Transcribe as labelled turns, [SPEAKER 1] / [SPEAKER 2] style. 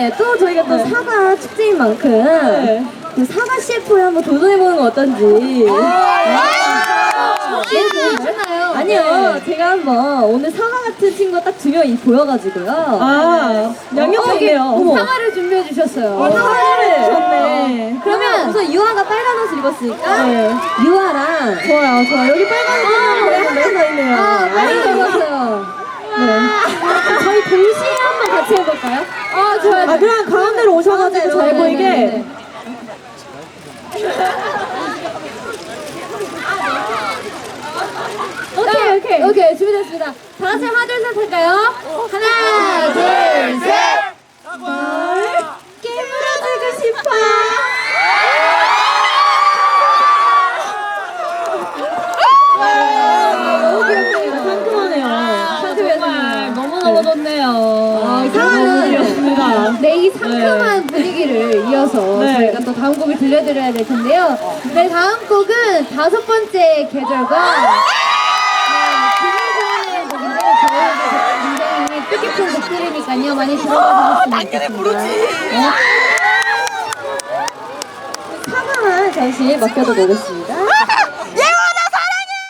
[SPEAKER 1] 네, 또 저희가 또 사과 축제인 만큼 그 사과 CF에 한번 도전해보는 거 어떤지.
[SPEAKER 2] 괜찮아요.
[SPEAKER 1] 아니요, 제가 한번 오늘 사과 같은 친구 딱 두 명이 보여가지고요.
[SPEAKER 3] 양옆에 있네요.
[SPEAKER 2] 사과를 준비해 주셨어요.
[SPEAKER 1] 사과를
[SPEAKER 3] 좋네.
[SPEAKER 1] 그러면 우선 유아가 빨간 옷을 입었으니까 유아랑
[SPEAKER 3] 좋아요. 여기 빨간 거 있네요.
[SPEAKER 2] 빨리 입었어요.
[SPEAKER 1] 저희 동시에 한번 같이 해볼까요?
[SPEAKER 2] 좋아요.
[SPEAKER 3] 그럼 가운데로 오셔가지고 잘
[SPEAKER 1] 네,
[SPEAKER 3] 보이게.
[SPEAKER 1] 네. 오케이, 준비됐습니다. 다 같이 하나, 둘, 셋 할까요? 하나, 둘, 셋! 깨물어주고 싶어!
[SPEAKER 2] 너무 귀엽네요.
[SPEAKER 3] 상큼하네요.
[SPEAKER 2] 정말 너무너무 좋네요.
[SPEAKER 1] 상황은
[SPEAKER 3] 귀엽습니다.
[SPEAKER 2] 네, 이 상큼한 분위기를 이어서
[SPEAKER 3] 네.
[SPEAKER 2] 저희가 또 다음 곡을 들려드려야 될 텐데요. 네, 다음 곡은 5번째 계절과 김희정의 곡인데 저희가 굉장히 뜻깊은 곡들이니까요. 많이 들어봐 주셨으면 좋겠습니다.
[SPEAKER 1] 사과만 잠시 맡겨도 되겠습니다.